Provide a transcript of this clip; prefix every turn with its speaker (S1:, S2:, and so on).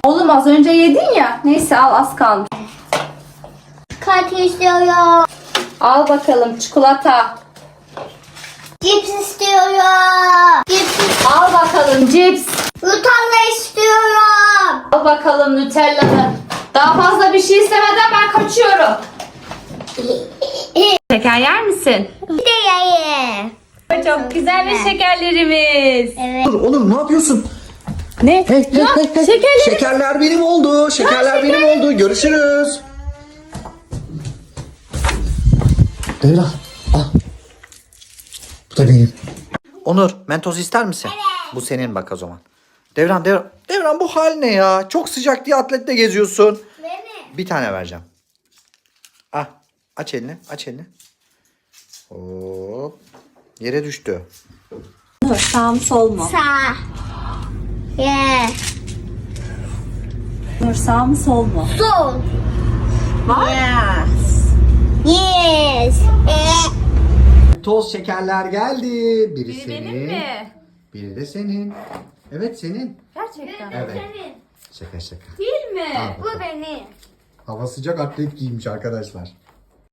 S1: Oğlum az önce yedin ya. Neyse al, az kalmış.
S2: Kart istiyorum.
S1: Al bakalım çikolata.
S2: Cips istiyorum. Cips.
S1: Al bakalım cips.
S2: Nutella istiyorum.
S1: Al bakalım Nutella'nı. Daha fazla bir şey istemeden ben kaçıyorum. Şeker yer misin?
S2: Bir de yayı.
S1: Çok güzel ve şekerlerimiz.
S2: Evet.
S3: Dur oğlum, ne yapıyorsun?
S1: Ne? şekerleri-
S3: Şekerler benim oldu. Şekerler benim oldu. Görüşürüz. Devran al. Bu da benim. Onur, Mentos ister misin? Bu senin bak o zaman. Devran bu hal ne ya? Çok sıcak diye atletle geziyorsun.
S2: Benim.
S3: Bir tane vereceğim. Ah, aç elini. Hop. Yere düştü.
S1: Sağ mı sol mu?
S2: Sağ. Yeah.
S1: Sağ mı sol mu?
S2: Sol.
S1: Yes.
S2: Yes.
S3: Toz şekerler geldi. Biri senin.
S1: Benim mi?
S3: Biri de senin. Evet senin.
S1: Gerçekten.
S3: Evet. Şaka.
S1: Değil mi?
S3: Al
S2: Bu
S3: bakalım.
S2: benim.
S3: Hava sıcak, atlet giymiş arkadaşlar.